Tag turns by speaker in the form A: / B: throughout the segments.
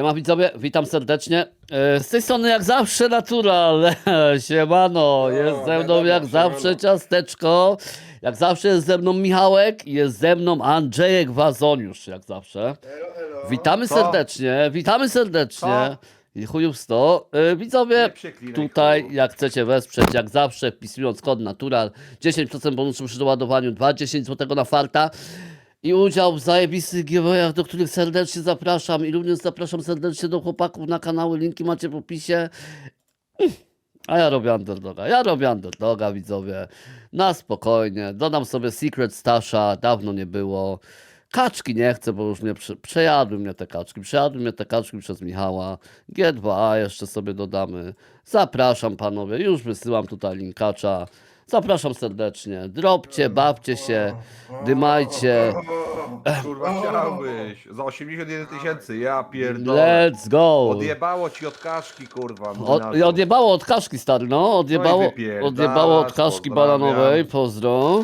A: Siema widzowie, witam serdecznie. Z tej strony jak zawsze Natural. Siemano, jest ze mną jak zawsze Ciasteczko. Jak zawsze jest ze mną Michałek i jest ze mną Andrzejek Wazoniusz, jak zawsze.
B: Elo, elo.
A: Witamy
C: Co?
A: serdecznie, witamy serdecznie.
C: Co?
A: I chujów 100. Widzowie,
C: Nie przeklinaj,
A: tutaj
C: chuju.
A: jak chcecie wesprzeć, jak zawsze wpisując kod Natural, 10% bonusu przy doładowaniu, 10 zł na farta. I udział w zajebistych giveawayach, do których serdecznie zapraszam. I również zapraszam serdecznie do chłopaków na kanały, linki macie w opisie. A ja robię underdoga, widzowie. Na spokojnie. Dodam sobie Secret Stasha, dawno nie było. Kaczki nie chcę, bo już mnie przejadły mnie te kaczki. Przejadły mnie te kaczki przez Michała. G2A jeszcze sobie dodamy. Zapraszam panowie, już wysyłam tutaj linkacza. Zapraszam serdecznie. Dropcie, bawcie się, dymajcie.
C: Kurwa chciałbyś. Za 81 000, ja pierdolę.
A: Let's go.
C: Odjebało ci od kaszki, kurwa.
A: Odjebało od kaszki, stary, no.
C: wypierdalasz,
A: Odjebało od kaszki
C: pozdrawiam.
A: bananowej, pozdro.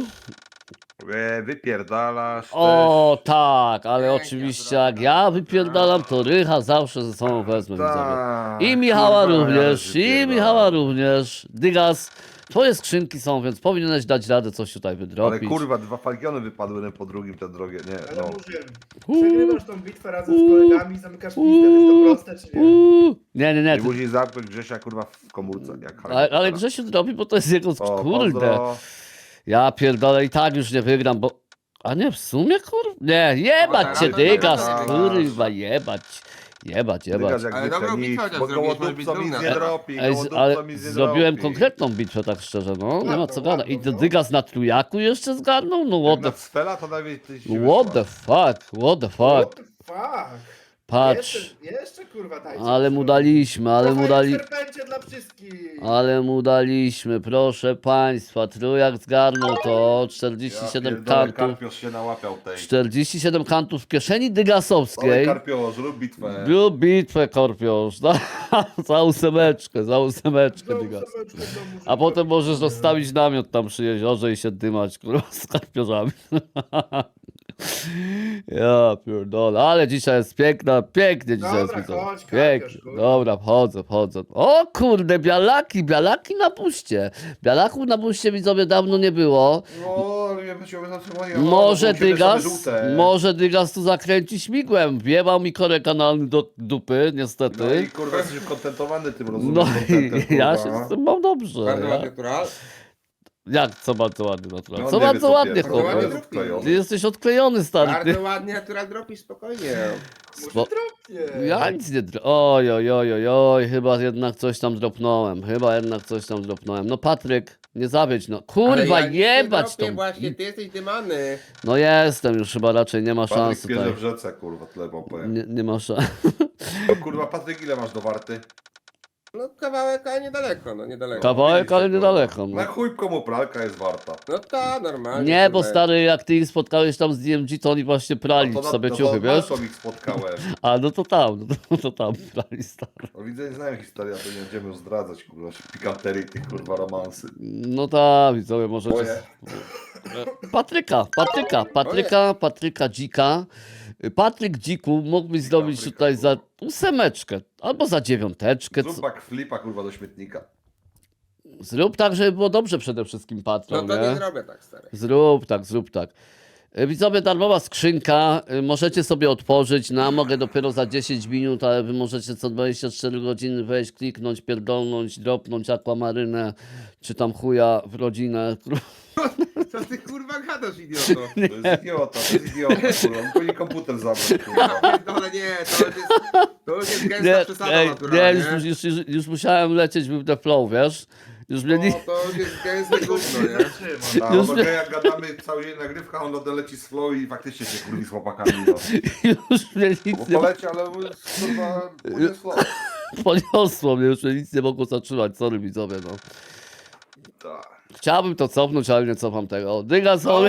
C: Wypierdalasz
A: O tak, ale
B: Pięknie,
A: oczywiście jak ja wypierdalam, to Rycha zawsze ze sobą wezmę, widzowie. I Michała
C: kurwa,
A: również,
C: ja
A: i
C: wypierdalam.
A: Michała również. Dygas, twoje skrzynki są, więc powinieneś dać radę coś tutaj
C: Ale
A: wydropić.
C: kurwa, dwa falgiony wypadły jeden po drugim, te drogie, nie,
B: Ale
C: no.
B: mówiłem, przegrywasz tą bitwę razem z kolegami, zamykasz pistę, to proste czy nie?
A: Nie,
C: Nie
A: ty,
C: musi zamknąć Grzesia, kurwa, w komórce, jak
A: ale Grzesiu drobi, bo to jest jego,
C: O,
A: kurde.
C: pozdro.
A: Ja pierdolę i tak już nie wygram, bo... A nie, w sumie kurwa? Nie, jebać cię,
D: to nie
A: Dygas,
D: wygrasz.
A: kurwa, jebać. Jebać.
C: Dygas jak
D: Ale
C: zwykle
D: dobrą
C: nic,
D: bitwę chociaż
C: bo
D: zrobiłeś, może
C: gołodupco
D: być
C: nic
D: dumna.
C: nie dropi,
A: Ej, ale
C: gołodupco nic nie
A: zrobiłem
C: dropi.
A: konkretną bitwę, tak szczerze, no. Nie ma
B: Ładną,
A: co gadać. I
B: ładną, no.
A: Dygas na trójaku jeszcze zgarnął? No
C: Jak
A: what
C: na
A: the...
C: Sfela to nawet ty się
A: What the fuck, what the
B: What
A: fuck.
B: the fuck?
A: Patrz.
B: Jeszcze kurwa dajcie.
A: Ale mu daliśmy,
B: Serpencie dla wszystkich.
A: ale mu daliśmy, proszę państwa. Trójak zgarnął to,
C: Ja
A: 47
C: pierdolę,
A: kantów.
C: Karpiosz się nałapiał tej.
A: 47 kantów w kieszeni
C: Ale
A: Dygasowskiej.
C: Karpiosz, rób bitwę.
A: Był bitwę, Korpiosz. Za ósemeczkę Dygas. A potem możesz zostawić namiot tam przy jeziorze i się dymać, kurwa, z karpiorzami. Ja pierdolę, ale dzisiaj jest pięknie dzisiaj jest,
B: Dobra,
A: widzowie.
B: chodź,
A: Pięknie,
B: karpiosz, kurwa.
A: dobra, wchodzę. O kurde, bialaki na buście. Bialaków na buście, widzowie, dawno nie było.
C: No, ale ja bym się zatrzymał.
A: Może Dygas tu zakręci śmigłem. Wjebał mi korek kanalny do dupy,
C: No
A: niestety.
C: i kurwa jesteś kontentowany tym, rozumiem.
A: No
C: kontentem,
A: i ja
C: kurwa.
A: się z tym mam dobrze.
D: Bardzo
A: Ja?
D: ładny natural.
A: Jak, co bardzo ładnie, natural.
C: No,
A: Co
C: nie wie,
A: bardzo
C: co
A: ładnie,
C: pierdolę.
A: chłopie.
D: Ładnie
C: Jest odklejony.
A: Ty jesteś odklejony, stary.
D: Bardzo ładnie natural dropi, spokojnie.
A: Spo-
B: Może dropnie.
A: Ja nic nie oj, chyba jednak coś tam dropnąłem. No Patryk, nie zawiedź, no. Kurwa,
D: Ale ja
A: jebać
D: nic nie dropię,
A: tą.
D: właśnie, ty jesteś dymany.
A: No jestem już chyba raczej, nie ma szans
C: Patryk pierze
A: tutaj.
C: w rzece, kurwa, tyle wam powiem.
A: Nie ma szans.
C: No, kurwa, Patryk, ile masz do warty?
D: No kawałek, ale niedaleko, no niedaleko.
A: Kawałek, ale
C: Kurwa.
A: niedaleko.
C: Na
A: No.
C: chuj komu pralka jest warta.
D: No ta, normalnie.
A: Nie, bo
D: kurwa.
A: stary, jak ty ich spotkałeś tam z DMG, to oni właśnie prali sobie ciuchy, wiesz?
C: To ich spotkałem.
A: A, no to tam prali, stary.
C: No widzę, nie znają historii, a to nie będziemy już zdradzać, kurwa, pikanterii tych, kurwa, romansy.
A: No tak, widzowie, możecie...
C: Moje.
A: Patryka Dzika. Patryk Dziku, mógłbyś zrobić
C: Patryka,
A: tutaj za
C: kurwa.
A: 8 albo za 9.
C: Zrób backflipa, kurwa, do śmietnika.
A: Zrób tak, żeby było dobrze przede wszystkim,
D: No
A: patron,
D: to nie
A: nie?
D: zrobię tak, stary.
A: Zrób tak. Widzowie, darmowa skrzynka, możecie sobie otworzyć, no mogę dopiero za 10 minut, ale wy możecie co 24 godziny wejść, kliknąć, pierdolnąć, dropnąć akwamarynę, czy tam chuja w rodzinę.
D: Co ty kurwa gadasz, idioto?
C: To jest idiota, kurwa. On powinien komputer zabrać, kurwa.
D: Ale nie, to już jest gęsta przesada
A: Nie,
D: naturalnie.
A: już musiałem lecieć w the flow, wiesz? Już mnie
D: No,
A: nie...
D: to już jest gęste gówno, nie?
C: A
A: Już
C: on
A: wie-
C: jak gadamy cały dzień nagrywka, on leci z flow i faktycznie się kurwi z chłopakami. No.
A: Już mnie
C: Bo
A: nic nie
C: poleci, ale kurwa, pójdzie flow.
A: poniosło, mnie już mnie nic nie mogło zatrzymać, sorry widzowie, no.
C: Tak.
A: Chciałbym to cofnąć, ale nie cofam tego. Dygas,
B: O,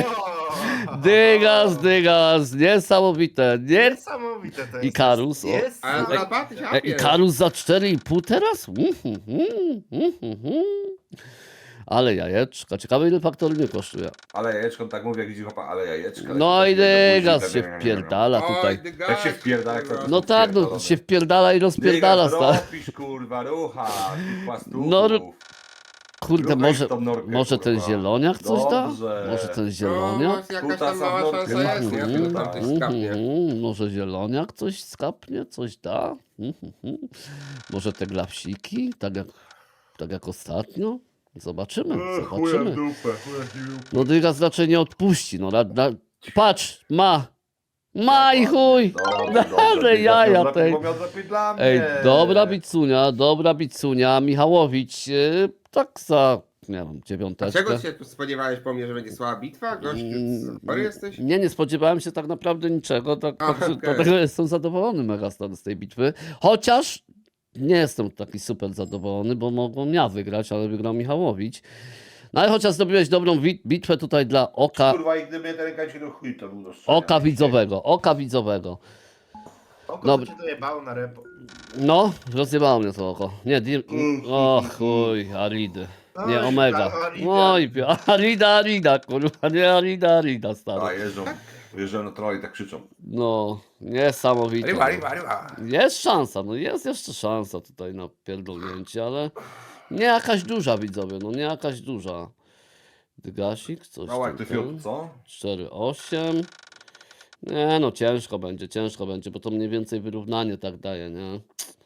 A: Dygas, niesamowite, nie?
B: Niesamowite to jest.
A: Ikarus, o.
B: Jest.
D: Ale
B: Ale...
D: za ty
A: Ikarus za 4,5 teraz? Ale jajeczka. Ciekawe ile faktorynie kosztuje.
C: Ale jajeczko, tak mówię, jak widzi chłopa, ale jajeczka.
A: No i dygas się
C: Dygas
A: wpierdala tutaj.
C: Jak się wpierdala, jak to
A: No tak, no się wpierdala i rozpierdala, stary.
C: robisz, kurwa, rucha, tych płastuchów.
A: No, Kurde,
C: Ruchaj
A: może,
C: tą norkę,
A: może ten
C: kurwa.
A: zieloniak coś da?
C: Dobrze.
A: Może ten
D: No,
A: zieloniak?
D: jakaś tam mała
C: Kutasa w
D: szansa
C: nordkę
D: jest, nie?
C: ma,
D: Tylko
C: kurwa.
D: tam coś skapnie.
A: Może zieloniak coś skapnie, coś da? Może te glapsiki, tak jak ostatnio? Zobaczymy, zobaczymy.
B: dupę.
A: No dygas raczej nie odpuści, no patrz, ma i chuj! Ale jaja tej. Ej, dobra bicunia, Michałowicz, tak za, nie wiem,
D: A
A: dziewiąteczkę.
D: czego się spodziewałeś po mnie, że będzie słaba bitwa? Gościu, chory jesteś?
A: Nie spodziewałem się tak naprawdę niczego,
D: Aha, okej.
A: dlatego jestem zadowolony mega z tej bitwy. Chociaż nie jestem taki super zadowolony, bo mogłem ja wygrać, ale wygrał Michałowicz. No ale chociaż zrobiłeś dobrą bitwę tutaj dla
C: Kurwa, i gdyby ten rękawiczek do chuj, to był do strzelania.
A: oka widzowego.
B: Oko
A: Dobra.
B: to cię dojebało na repo.
A: No, rozjebało mnie to oko. Nie, o chuj, Aridy. Nie,
B: Oj,
A: Omega.
B: Arida.
A: Oj, Arida, kurwa, nie Arida,
C: A,
A: stary.
C: jeżdżą na troli, tak krzyczą.
A: No, niesamowite.
C: Ryba.
A: Jest szansa, no jest jeszcze szansa tutaj na pierdolnięcie, ale nie jakaś duża, widzowie, no nie jakaś duża. Dygasik, coś
C: Mała jak ty
A: tutaj.
C: fiut, co?
A: 4-8. Nie no, ciężko będzie, bo to mniej więcej wyrównanie tak daje, nie?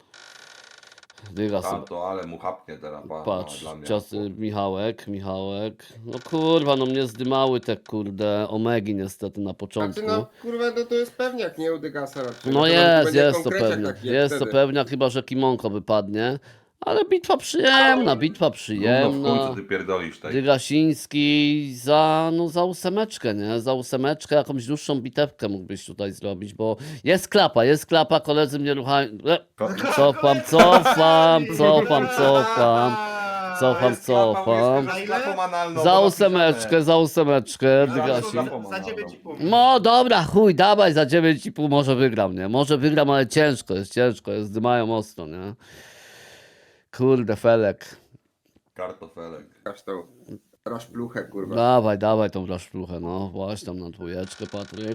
A: Dygas,
C: Tam to, ale mu chapnie teraz,
A: patrz,
C: dla mnie.
A: Michałek. No kurwa, no mnie zdymały te kurde omegi niestety na
D: Znaczy,
A: początku.
D: no kurwa, no to jest pewniak, nie u Dygasa raczej.
A: No
D: To
A: jest to
D: konkreciak
A: pewnie.
D: taki jak
A: Jest to
D: wtedy.
A: pewnie, chyba że Kimonko wypadnie. Ale bitwa przyjemna,
C: No w chuj, co ty pierdolisz tutaj.
A: Dygasiński za ósemeczkę, nie? Za ósemeczkę jakąś dłuższą bitewkę mógłbyś tutaj zrobić, bo jest klapa, koledzy mnie ruchają. Cofam. Za ósemeczkę, Dygasik.
B: Za 9,5.
A: No dobra, chuj, dawaj za 9,5 może wygram, nie? Może wygram, ale ciężko jest, dymają ostro, nie? Kurde, Felek.
C: Kartofelek.
D: Aż tą raszpluchę, kurwa.
A: Dawaj tą raszpluchę, no. Właśnie tam na dwójeczkę, Patryk.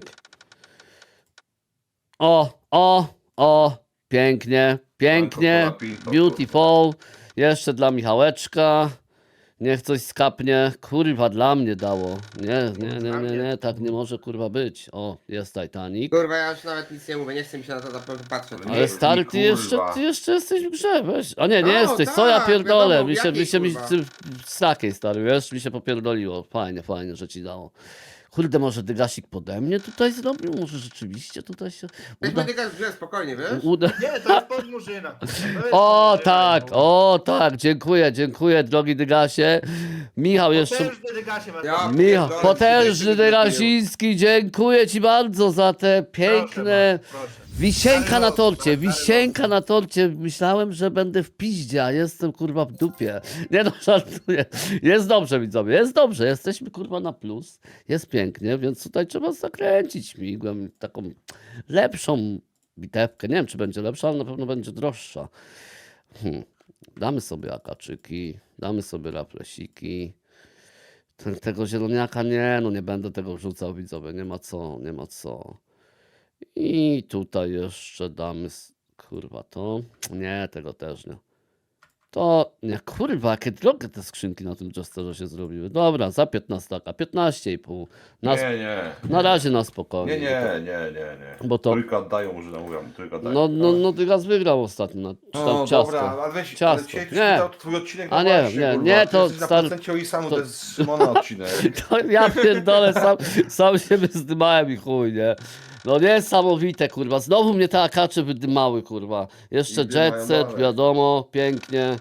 A: Pięknie,
C: Franco Colapinto,
A: beautiful. Jeszcze dla Michałeczka. Niech coś skapnie. Kurwa, dla mnie dało. Nie, tak nie może kurwa być. O, jest Titanic.
D: Kurwa, ja już nawet nic nie mówię, nie chcę mi się na to patrzeć.
C: Ale
A: Ale stary,
C: kurwa.
A: ty jeszcze jesteś w grze, weź. A nie
D: No,
A: jesteś, co ja
D: tak,
A: pierdolę.
D: wiadomo,
A: Mi się
D: jakiej, kurwa.
A: z takiej stary, wiesz, mi się popierdoliło. Fajnie, że ci dało. Kurde, może Dygasik pode mnie tutaj zrobił? Może rzeczywiście tutaj się
D: Weźmy
A: uda?
D: Dygas w grze, spokojnie, wiesz?
B: Nie, to jest podmurzyna. To jest
A: O tak, dziękuję drogi Dygasie. Michał jeszcze...
B: Potężny Dygasie was.
D: Ja-
A: Michał,
D: pierdolę,
A: potężny
D: tutaj
A: Dygasiński, dziękuję ci bardzo za te piękne...
B: Proszę.
A: Wisienka na torcie,
B: Stary
A: wisienka na torcie. Myślałem, że będę w piździe, a jestem kurwa w dupie. Nie no, żartuję. Jest dobrze, widzowie, jest dobrze. Jesteśmy kurwa na plus. Jest pięknie, więc tutaj trzeba zakręcić migłem taką lepszą bitewkę. Nie wiem, czy będzie lepsza, ale na pewno będzie droższa. Damy sobie akaczyki, damy sobie raflesiki. Tego zieloniaka nie będę tego wrzucał, widzowie. Nie ma co. I tutaj jeszcze damy, kurwa, to. Nie, tego też nie. To, nie, kurwa, jakie drogie te skrzynki na tym Jesterze się zrobiły. Dobra, za 15, 15,5. Na razie na spokojnie.
C: Nie.
A: Bo to-
C: Trójkę oddają, może mówią, trójkę oddają.
A: No, Dygas wygrał ostatnio, czy tam
C: No
A: ciasto.
C: dobra, ale weź,
A: Ciasto.
C: ale dzisiaj
A: Nie.
C: to twój odcinek,
A: A
C: no
A: nie,
C: właśnie,
A: nie,
C: kurwa,
A: nie,
C: ty
A: to
C: jesteś na
A: star-
C: procencie o samu,
A: to-
C: to jest Szymona odcinek.
A: To ja pierdolę, sam siebie zdymałem i chuj, nie? No niesamowite, kurwa. Znowu mnie te akacze wydymały, kurwa. Jeszcze
C: I dymają
A: jet set,
C: dalej.
A: wiadomo, pięknie.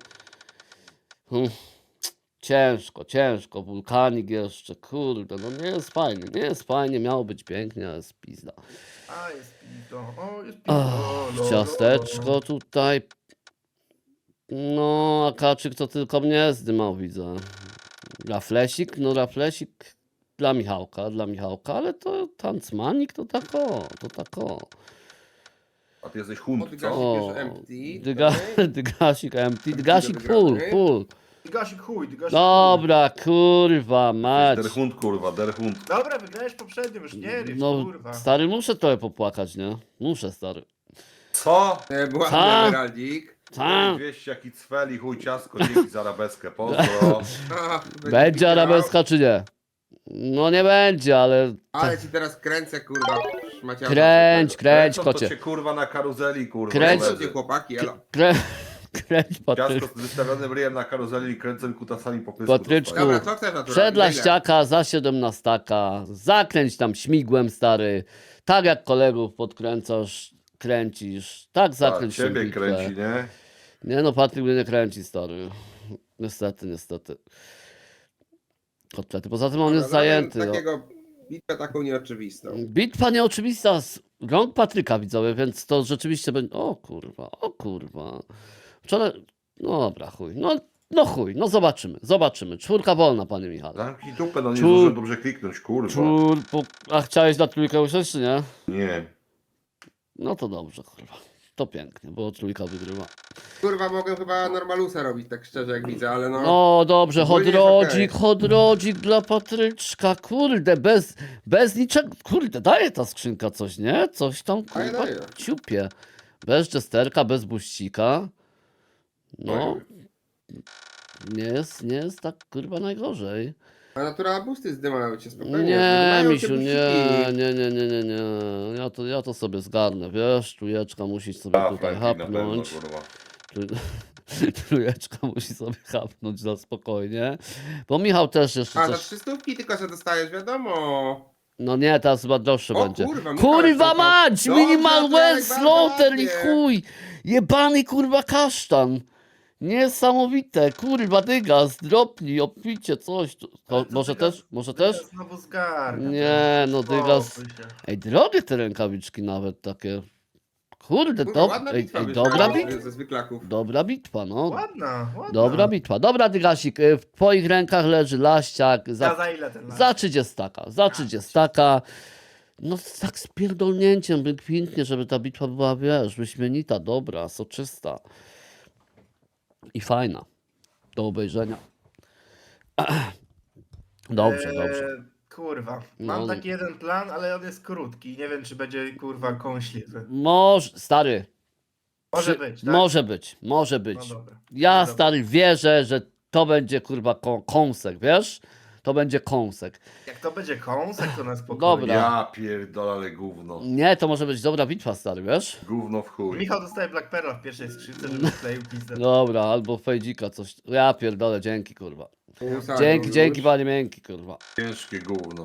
A: Ciężko. Wulkanik jeszcze, kurde, no nie jest fajnie, miało być pięknie, ale jest pizda.
B: A, jest pito. O, jest pito.
A: Ciasteczko tutaj. No, akaczyk to tylko mnie zdymał, widzę. Raflesik dla Michałka, ale to tancmanik to tako.
C: A ty jesteś
D: O,
C: hunt,
D: Dygasik
C: co?
D: już empty.
A: Dygasik empty,
D: do
A: Dygasik
D: wygranej.
A: full.
B: Dygasik chuj, dygasik
A: Dobra, kurwa, mać.
C: Der Hund, kurwa, der Hund.
B: chuj. Dobra, wygrałeś poprzednio, już nie ryż,
A: No,
B: kurwa.
A: stary, muszę trochę popłakać, nie? Muszę, stary.
C: Co?
D: Była
A: Co?
D: Emeraldik.
A: Co?
C: 200 jaki cweli, chuj ciasko, dzięki za arabeskę, pozdro.
A: Będzie arabeska czy nie? No nie będzie, ale...
D: Ale ci teraz kręcę, kurwa. Szmaciarza.
A: Kręć, kręć,
C: Kręcą to
A: kocie.
C: cię kurwa na karuzeli, kurwa.
A: Kręć.
C: koledzy.
D: Kręćcie, chłopaki, elo.
A: Kręć, Patryk.
C: Ciasko z wystawionym ryjem na karuzeli i kręcą kutasami po pysku.
A: Patryczku.
D: Dobra, co chcesz naturalnie?
A: Przedla
D: Ile?
A: ściaka za 17, zakręć tam śmigłem, stary. Tak jak kolegów podkręcasz, kręcisz. Tak
C: Tak,
A: zakręć
C: ciebie
A: bitwę.
C: kręci, nie?
A: Nie no, Patryk mnie nie kręci, stary. Niestety, niestety. Kotlety. Poza tym on jest
D: Dobra,
A: zajęty. No.
D: Takiego bitwę taką nieoczywistą.
A: Bitwa nieoczywista z rąk Patryka, widzowie, więc to rzeczywiście będzie... O kurwa, o kurwa. Wczoraj... No dobra, chuj. No chuj, no zobaczymy, zobaczymy. 4 wolna, panie Michale.
C: Zamknij dupę, no nie
A: Czu-
C: zdążyłem dobrze kliknąć, kurwa.
A: A chciałeś na trójkę usiąść, czy nie?
C: Nie.
A: No to dobrze, kurwa. To pięknie, bo trójka wygrywa.
D: Kurwa, mogę chyba Normalusa robić, tak szczerze jak widzę, ale no...
A: No dobrze,
D: ogólnie jest
A: chodrodzik,
D: okej.
A: chodrodzik dla Patryczka, kurde, bez niczego, kurde, daje ta skrzynka coś, nie? Coś tam,
D: Daje,
A: kurwa,
D: daje.
A: ciupie. Bez jesterka, bez buścika. No, nie jest tak, kurwa, najgorzej.
D: A natura busty zdymają cię spokojnie.
A: Nie,
D: Zdymają cię
A: misiu, nie,
D: busiki.
A: nie. Ja to sobie zgarnę, wiesz, trójeczka musi sobie
C: A,
A: tutaj
C: Franki na pewno,
A: hapnąć.
C: kurwa.
A: Trójeczka musi sobie hapnąć na spokojnie. Bo Michał też jeszcze
D: A, za
A: coś...
D: 300 tylko że dostajesz, wiadomo.
A: No nie, teraz chyba droższe
D: O
A: będzie.
D: kurwa, Michał,
A: Kurwa
D: jak to-
A: mać!
D: Dobrze,
A: Minimal
D: Piotrek,
A: well
D: bardzo
A: slaughter i
D: ładnie.
A: chuj! Jebany kurwa kasztan! Niesamowite, kurwa dygas, dropnij, opicie coś.
B: Ale to
A: Może
B: Dygas-
A: też? Może też?
B: Dygas Znowu zgarnia.
A: Nie, no Dygas...
B: Spokój się.
A: Ej, drogie te rękawiczki nawet takie. Kurde,
D: Kurwa, ładna bitwa wyszła,
A: dobra
D: no,
A: bitwa.
D: ze zwyklaków.
A: Dobra bitwa, no.
B: Ładna.
A: Dobra bitwa. Dobra, Dygasik, w twoich rękach leży laściak
B: Za ile ten lat?
A: za 30. Za 30. No tak z pierdolnięciem, by pięknie, żeby ta bitwa była, wiesz, wyśmienita, dobra, soczysta. I fajna. Do obejrzenia. Dobrze, dobrze.
B: Kurwa.
A: No.
B: Mam taki jeden plan, ale on jest krótki. Nie wiem, czy będzie kurwa kąśliwy.
A: Może, stary.
B: Może być, tak?
A: Może być.
B: No dobra.
A: Ja,
B: Dobra.
A: stary, wierzę, że to będzie, kurwa, kąsek, wiesz? To będzie kąsek.
B: Jak to będzie kąsek, to na spokojnie.
A: Dobra.
C: Ja pierdolę, ale gówno.
A: Nie, to może być dobra bitwa, stary, wiesz?
C: Gówno w chuj.
B: Michał dostaje Black Pearl w pierwszej skrzynce, żeby wkleił pizdę.
A: Dobra, albo fejdzika, coś. Ja pierdolę, dzięki, kurwa.
D: Usadą
A: Dzięki,
D: już.
A: panie miękki, kurwa.
C: Ciężkie gówno.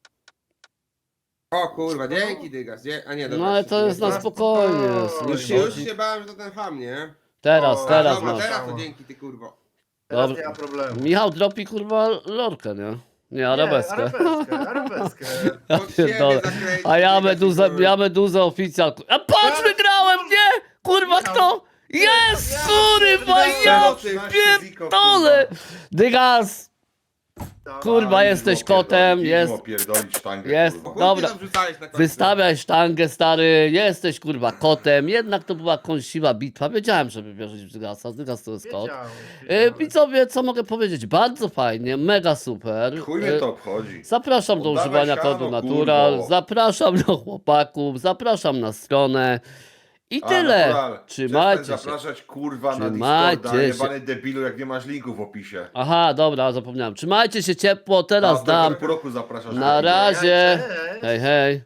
D: O kurwa, dzięki Dygas. A nie, dobra.
A: No ale to jest na
B: Na
A: spokojnie. jest,
B: spokojnie.
A: nie
D: Już
A: chodzi.
D: się bałem, że to ten ham, nie?
A: Teraz,
B: O,
A: teraz
D: Dobra,
A: masz.
D: teraz to dzięki ty kurwo.
B: Teraz
A: Dobra.
B: nie ma problemu.
A: Michał dropi, kurwa, lorkę, nie? Nie, arabeskę.
B: Arabeskę.
A: Ja
D: Pod siebie
A: pierdolę.
D: zakręcić,
A: A ja
D: Dygas,
A: meduzę,
D: kurwa.
A: ja meduzę oficjal. A patrz, wygrałem, nie? Kurwa, kto? Jest, kurwa, ja pierdolę. Dygas, kurwa, jesteś kotem, jest.
C: Pierdolić sztangę,
A: Jest.
C: kurwa.
A: Dobra.
D: Chuj ty tam wrzucałeś na końcu.
A: Wystawiaj sztangę, stary, jesteś kurwa kotem, jednak to była kąsiwa bitwa, wiedziałem, żeby wierzyć w Dygasa, Dygas to jest kot. Widzowie, co mogę powiedzieć, bardzo fajnie, mega super.
C: Chuj mnie to obchodzi.
A: Zapraszam do
C: Oddawaj
A: używania
C: siano,
A: kodu Natural,
C: kurwo.
A: zapraszam do chłopaków, zapraszam na stronę i
C: A,
A: tyle.
C: natural.
A: Trzymajcie
C: Przestań
A: się.
C: zapraszać kurwa na
A: Trzymajcie
C: Discorda,
A: się.
C: jebany debilu, jak nie masz linku w opisie.
A: Aha, dobra, zapomniałem. Trzymajcie się ciepło, teraz
C: A,
A: dam.
C: do roku zapraszasz.
A: Na razie.
B: Cześć.
A: Hej, hej.